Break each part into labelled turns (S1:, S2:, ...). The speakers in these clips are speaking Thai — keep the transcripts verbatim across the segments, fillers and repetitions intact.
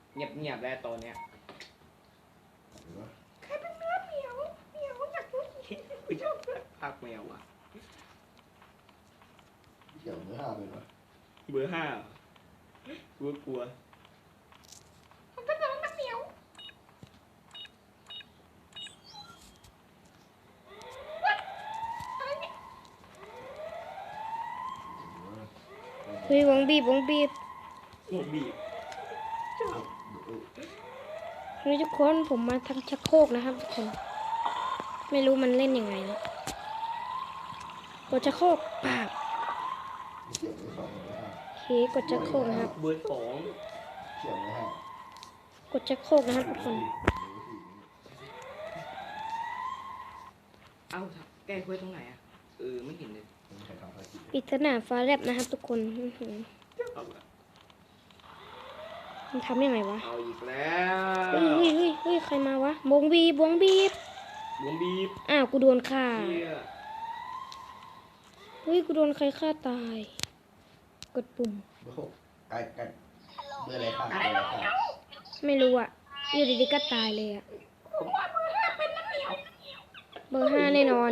S1: เงียบเงียบแล้วตอนเนี้ยใครเป็นเนื้อเหมียวเหมียวอยากรู้กูชอบภาคแมวอ่ะ
S2: เกี่ยวเนื้อห้าเป็นปะ
S1: เบอร์ห้ากลัวกลัวมันเป็นน้องนักเหมียว
S3: เฮ้ยวงบีบวงบีบ
S1: หัวบีบ
S3: เฮ้ยทุกคนผมมาทางชักโครกนะครับทุกคน ไม่รู้มันเล่นยังไงนะกดชักโครกปาก
S2: เกี่ยวเนื้อสองเนื้อห้า
S3: โอเคกดชักโครกนะครับ
S1: เบอร์สอง
S2: เกี่ยวเนื้อห้าก
S3: ดชักโครกนะครับทุกคน
S1: เอ้าแก้คุยตรงไหนอ่ะเออไม่เห็นเลย
S2: ใครทำภารกิจ
S3: ปริศนาฟ้าแลบนะครับทุกคนอื้อหือ
S1: เอาละ
S3: มันทำยังไงวะ
S1: เอาอีกแล้ว
S3: เฮ้ยเฮ้ยเฮ้ยเฮ้ยใครมาวะวงบีบวงบีบ
S1: วงบีบ
S3: อ้าวกูโดนฆ่า
S1: เชี่ย
S3: เฮ้ยกูโดนใครฆ่าตาย กดปุ่ม
S2: เบอร์หกใกล้ใกล้เบอร์อะไรค่ะเบอร์อะไรค่ะ
S3: ไม่รู้อ่ะอยู่ดีๆก็ตายเลยอ่ะ
S1: ผมว่าเบอร์ห้าเป็นน้ำเหมียว
S3: เบอร์ห้าแน่นอน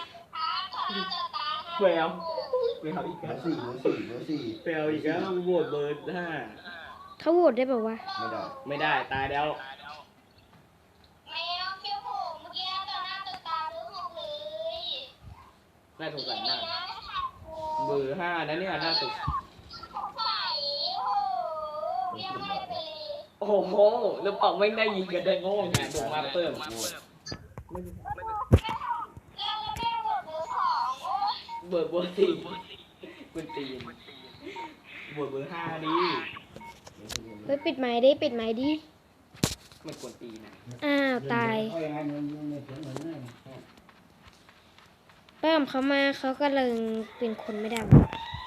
S1: แววแววอีก
S2: เบ
S1: แล้
S2: อ
S1: ว
S2: ร์สี่เบอร์สี่เบอร์สี่
S1: แววอีกแล้วโหวตเบอร์ห้า
S3: เขาโหวตได้แบบว่าวะ
S2: ไม่ได้
S1: ไม่ได้ตายแล้ว
S4: แมวเขี้ยวโผล่เมื่อกี้ต่อหน้าต่อตาเบอร์หกเลย
S1: น่าสงสาร
S4: นี่
S1: มาก
S4: นะค่ะ
S1: เบอร์ห้านะเนี่ยน่าสง
S4: สงสัยโอ้โหเรียกให้ไปเลย
S1: โอ้โหแล้วเป่าไม่ได้ยิงกันได้โง่ไงผมมาเพิ่ม
S2: โหวต
S4: แล้วแม่โหวตเบอร์สองโอ้ย
S1: เบอร์เบอร์สี่คุณตีนเบอร์เบอร์ห้าดิ
S3: เฮ้ยปิดไม้ดิปิดไม้ดิ
S1: มันกวนตีนนะ
S3: อ้าวตายเพิ่มเขามาเขาก็เลยเป็นคนไม่ได้วะ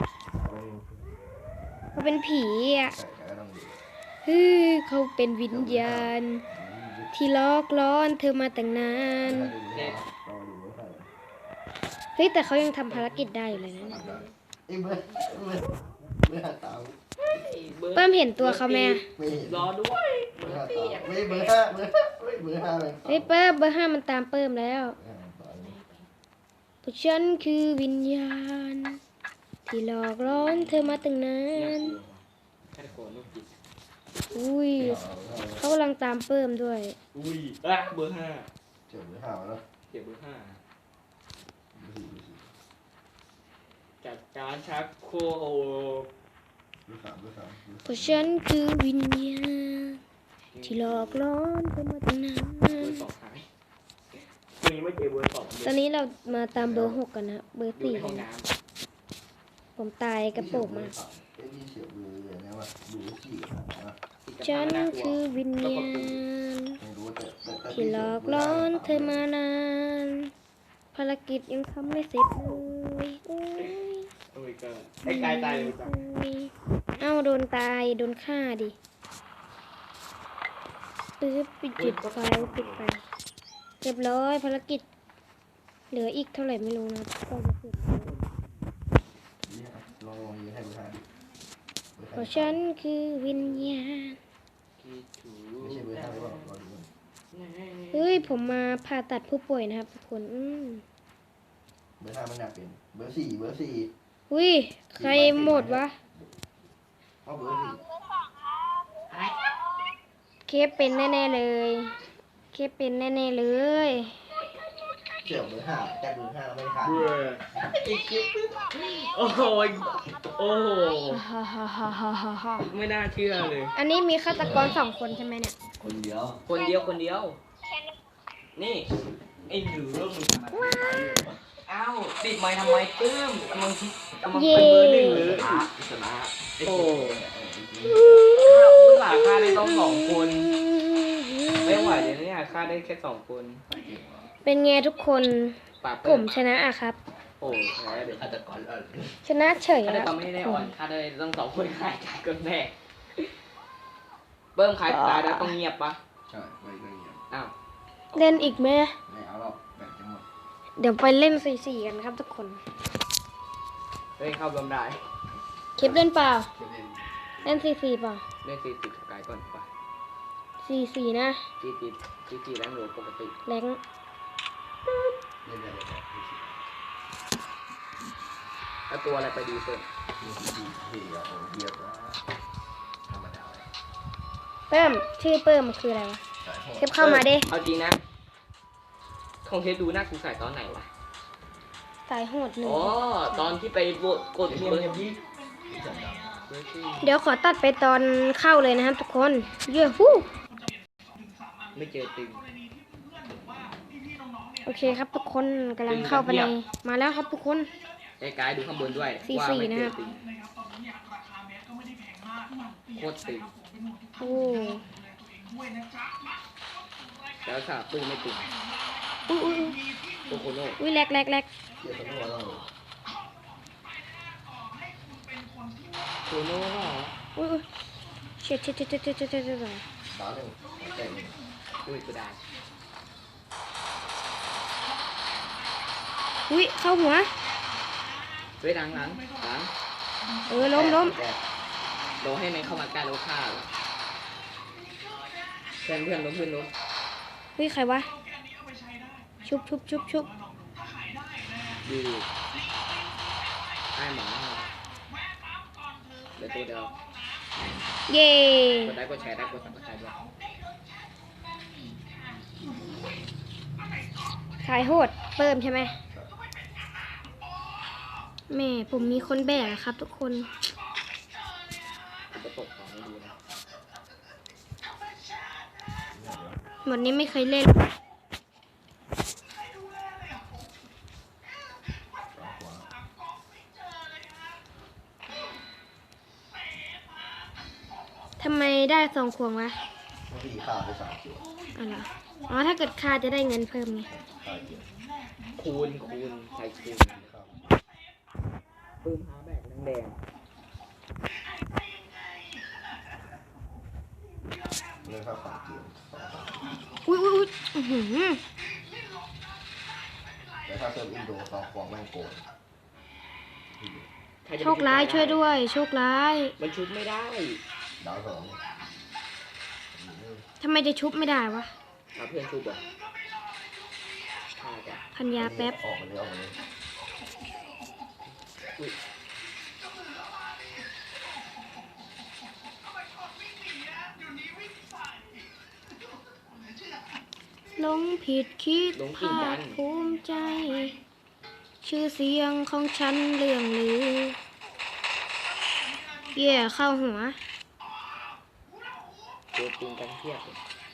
S3: เขาเป็นผีอ่ะ
S2: ใช่ก็ต้องดู
S3: เฮ้ยเขาเป็นวิญญาณ ที่ลอกล้อนเธอมาตั้งนาน
S2: ถ้าดูเนื้อเราดูเนื้อใคร
S3: เฮ้ยแต่เขายังทำภารกิจได้อยู่เลยนะ
S2: ได้ไอ้เบอร์เบอร์เบอร์ห้าตาม
S3: เพิ่มเห็นตัวเขาไหมอะ
S2: ไม่เห็น
S1: รอด้วย
S2: เบอร์ห้าตามไม่เบอร์ห้าเบอร์ห้าไม่เบอร์ห้าเลย
S3: เฮ้ยเพิ่มเบอร์ห้ามันตามเพิ่มแล้วพวกฉันคือวิญญาณ ที่หลอกล้อนเธอมาตั้งนาน
S1: แค่โกนลูกจิต
S3: อุ้ยเขากำลังตามเพิ่มด้วย
S1: อุ้ยอ่ะเบอร์ห้า
S2: เจ็บเบอร์ห้าแล้ว
S1: เก็บเบอร์ห้า
S2: เบอร์สี่เบอร์สี่
S1: จัดการชักโครก
S2: เบอร์สามเบอร์สามเบอร์
S3: เพ
S2: สาม
S3: ราะฉันคือวิญญาณ ที่หลอกล้อนเธอมาตั้งนาน
S1: เบอร์สองหายวันนี้ไม่เจอเบอร์สอง
S3: ตอนนี้เรามาตามเบอร์หกกันนะ เบอร์
S1: อยู่
S3: สี่
S1: ในห้องน้
S3: ผมตายกระโปรงมา
S2: เอ้ยนี่เสียเบอร์อะไรนะวะดูสี่นะ
S1: ำ
S3: ฉันคือวิญญาณ
S2: ไม่รู้แต่แต่แต่
S3: ที่หลอกล้อนเธอมานาน ภารกิจยังทำไม่เสร็จเลยโอ้ย
S1: โอ้ยก็ไอ้กายตายเลยจ้ะ
S3: โอ้ยเอ้าโดนตาย โดนฆ่าดิปื๊บปิดจุดไฟปิดไฟเรียบร้อยภารกิจ เหลืออีกเท่าไหร่ไม่รู้นะก็จะเสร็จแล้ว
S2: ลองลองยืนให้เบอร์ห้าดิเบอร์
S3: เพ
S2: ห้า
S3: ราะฉันคือวิญญาณ
S1: คิดถู
S2: ไม่ใช่เบอร์ห้าหรือเปล่าลองดู
S3: เฮ้ย ผมมาผ่าตัดผู้ป่วยนะครับทุกคนอืม
S2: เบอร์ห้ามันน่าเป็นเบอร์สี่เบอร์สี่
S3: อุ้ย ใครหมดวะ
S2: เอาเบอร์สี่
S4: เบอร์สองครับ
S3: เคปเป็นแน่ๆเลย เคปเป็นแน่ๆเลย
S2: เสี่ยวเบอร์ห้าจากเบอร์ห้าเราไม่ขาด
S1: เบื่อโอ้โหโอ้โห
S3: ฮ่าฮ่าฮ่าฮ่าฮ่าฮ่า
S1: ไม่น่าเชื่อเลย
S3: อันนี้มีฆาตกรสองคนใช่ไหมเนี่ย
S2: คนเดียว
S1: คนเดียวคนเดียว นี่ไอ้หนูเริ่มมึงทำอะไรอ้าวติดไม้ทำไมเติมมึงมึงเป็นเบอร์หนึ่งเลย
S2: ชนะ
S1: โอ้ฆ่าผู้สาฆ่าได้ต้องสองคน ไม่ไหวเลยเนี่ยฆ่าได้แค่สองคน
S3: เป็นไงทุกคน
S1: ปาก
S3: ผ
S1: เปิ้
S3: ม
S1: ล
S3: ชนะอะครับ
S1: โอ้แพ้เดี๋ยว
S2: ฆาตกรเออ
S3: ชนะเฉย
S1: ฆ่าได้
S3: อะ
S1: ตอนไม่ได้อ่อนฆ่าได้ต้องสองคนฆ่าใจกันแน่เบิ้มใครตายแล้วต้องเงียบปะ
S2: ใช่ไปเรื่องเงี้ย
S1: อ้าว
S3: เล่นอีกไหม
S2: ไม่เอาหรอกแบ่งจังหมด
S3: เดี๋ยวไปเล่นสี่สี่กันครับทุกคน
S1: เล่นเข้าบำได้
S3: คลิปเล่นเปล่า
S2: เล่น
S3: เล่นสี่สี่เปล่า
S1: เล่นสี่สิบสกายก่อนปะ
S3: สี่สี่นะ
S1: จีจีจีจีแรงหนูปกติ
S3: แรง
S2: เล่นได้เลยแบบนี้
S1: แล้วตัวอะไรไปดีเพิ่ม
S2: นี่ที่ที่เราเยียบนะธรรมดาเลย
S3: เพิ่มชื่อเพิ่มมันคืออะไรวะ
S2: สายโหด
S3: เทปเข้ามาดิ
S1: เอาจริงนะของเทปดูหน้ากูใส่ตอนไหนวะ
S3: สายโหดหนึ่ง
S1: อ๋อ ตอนที่ไปโหวตกด
S2: เยี่
S1: เบ
S2: ย
S1: อ
S2: ม
S1: ร์
S2: เยี่ยมยี่
S1: เบอร์สี่
S3: เดี๋ยวขอตัดไปตอนเข้าเลยนะครับทุกคนเย้ฮู้
S1: ไม่เจอตึง
S3: โอเคครับทุกคนกำลังเข้าไปในมาแล้วครับทุกคน
S1: ไอ้กายดูข้างบนด้วย
S3: สี่
S1: ว่า
S3: สี่
S1: ไม่
S3: นะ
S1: เจ
S3: ครั
S1: อบ ตึงโคตรตึง
S3: โอ้
S1: แล้วค่ะปืนไม่ตึง
S3: อุ้ยอุ้ย
S1: โคโคโน่
S3: อุ้ยแลกแลกแลก
S2: เยี่ยมทั้งวันเลย
S1: โคโน่เหรอ
S3: อุ้ยอุ้ยเช็ดเช็ดเช็ดเช็ดเช็ดเช็ดเช็ดเช็ด
S2: บ้าหนึ่งแต่ง
S1: อุ้ยกูได้
S3: อุ้ยเข้าหัว
S1: เฮ้ยหลังหลังหลัง
S3: เออล้มล้ม
S2: แตก
S1: โดนให้ในเข้ามาใกล้แล้วฆ่าเหรอเพื่อนเพื่อนล้มเพื่อนล้ม
S3: อุ้ยใครวะชุบชุบชุบชุบ
S1: ดีไอ้หมอเดี๋ยวตัวเดียว
S3: เย่
S1: กดได้กดแชร์ได้กดสับสไครต์ด้วย
S3: สายโหดเพิ่มใช่ไหมแม่ผมมีคนแบกอะครับทุกคน
S1: กูจะตกของไม่ดีนะ
S3: หมดนี้ไม่เคยเล่น ทำไมได้สองขวงวะ
S2: เมื่อกี้ข้าวไปสามคิว
S3: อ๋อเหรออ๋อถ้าเกิดค่าจะได้เงินเพิ่มไง
S2: ข้าวเยอะ
S1: คูณคูณใส่คูณ
S2: ข้าว
S1: ปืนหาแบกแดง
S2: เล่นข้าวสามเกมสองสาม
S3: อุ้ยอุ้ยอุ้ยอื้อหือ
S2: แต่ถ้าเซิร์ฟอินโดสองควงแม่งโกง
S1: ๆใครจะ
S3: โชคร้ายช่วยด้วย โชคร้าย
S1: มันชุบไม่ได้
S2: ดาวสอง
S3: ทำไมจะชุบไม่ได้วะ
S1: เอาเพื่อนชุบเหรอใช่จ้ะ
S3: พันยาแป๊บ
S2: ออกมาเลยออกมาเลย
S1: อุ้ย
S3: หลงผิดคิดภาคภูมิใจ ชื่อเสียงของฉันเรื่องลือ เย่เข้าหัว
S1: เจอปืนกันเทียบเลย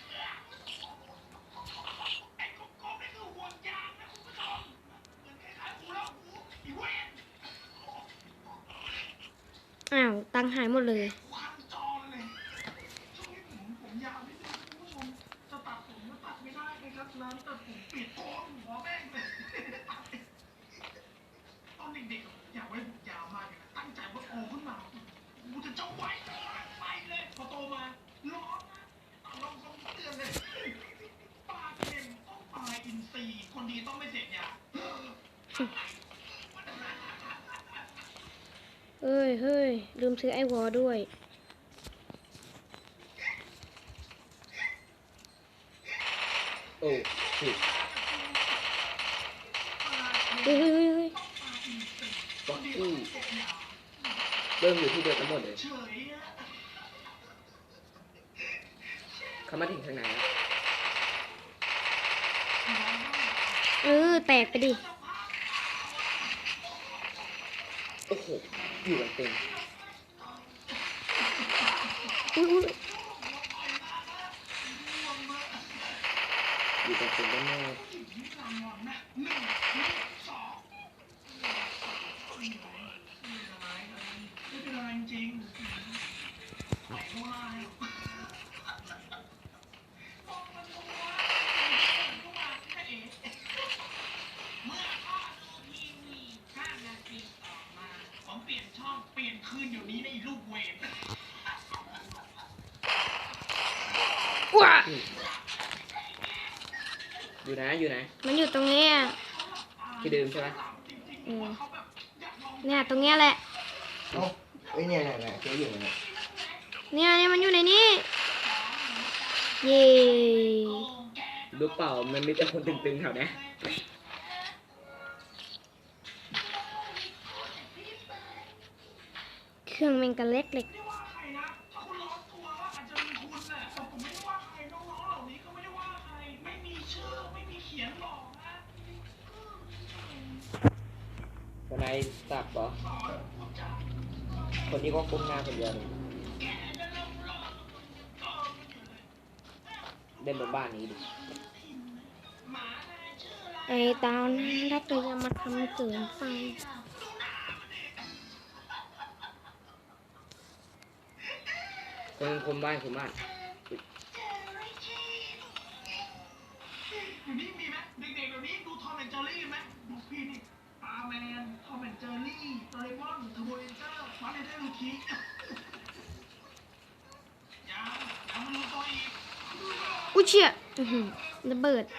S3: อ้าว ตังค์หายหมดเลย เอ้ยเฮ้ย ลืมซื้อไอวอลด้วย
S1: โอ้ผิด
S3: เฮ้ยเฮ้ยเฮ้ยเฮ้ย
S1: บ็อกกี้เริ่มอยู่ที่เดียวกันหมดเลยเขามาถึงทางไหนแล้ว
S3: เออ แตกไปดิ
S1: โอ้โหอยู่กันเต็ม
S3: อุ้ยอุ้ย
S1: อยู่กันเต็มได้แน่
S3: ว้า
S1: อยู่ไหนอยู่ไหน
S3: มันอยู่ตรงเนี้ย
S1: ที่เดิมใช่ไหม
S3: เออเนี่ยตรงเนี้ยแหละ
S2: เอ้าไอ้เนี่ยเนี่ยเนี่ยเจ๊อยู่เนี่ย
S3: เนี่ยเนี่ยมันอยู่ในนี้เย่
S1: รู้เปล่ามันมีแต่คนตึงๆแถวเนี้ย
S3: เครื่องแมงกะเล็กเล็ก
S1: คนไหนสักเหรอคนนี้ก็ก้มหน้าคนเดียวเลยเดินบนบ้านนี้ดิ
S3: ไอ้ตาวน่ารักเลยอย่ามาทำเกินไป
S1: คนคนบ้านคนบ้าน
S5: อยู่นี่มีไหมเด็กๆเดี๋ยวนี้ดูทอมแอนด์เจอรี่ไหมดูพี่นี่ปาแมนทอมแอนด์เจอรี่โดเรมอนเทอร์โบเรนเจอร์มาเนเดอร์ลูคิยังยังไม่รู้ตัวอีก
S3: อุ้ยเชี่ยอื้อหือระเบิด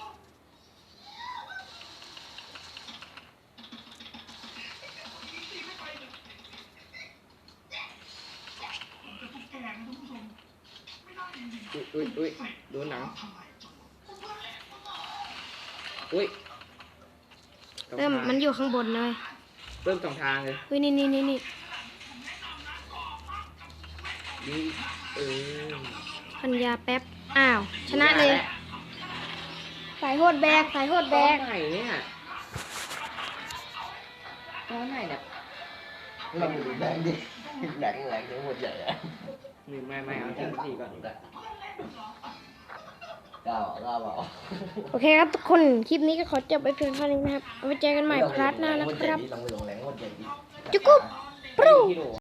S5: แต่ตุ๊กแกนะท่านผู้ชมไม่ได้จริง
S1: อุ้ยอุ้ยอุ้ยดูหนังอุ้ยสอง
S3: เริ่ม
S1: ทาง
S3: มันอยู่ข้างบนเลย
S1: เริ่มสองทางเลย
S3: เฮ้ยนี่นี่นี่นี่
S1: ดีเออ
S3: พันยาแป๊บ อ้าว ชนะเลย สายโหดแบก สายโหดแบ
S1: ตอน
S3: ก
S1: ไหนเนี่ยตอนไหนเนี่ย
S2: เราดูแบงค์ดิแบงค์แรงทั้งหมดใหญ่อะ
S1: หนึ่งไม่ไม่เอาที่สี่ก่อน
S2: กล้าบอกกล้าบอก
S3: โอเคครับทุกคน คลิปนี้ก็ขอจบไปเพียงเท่านี้นะครับ เอาไว้เจอกันใหม่พาร์ทหน้านะครับ
S2: ลองไปลงแรงหมดใหญ่ดิ
S3: จุ๊กกุ๊บปรู
S1: ที่โหล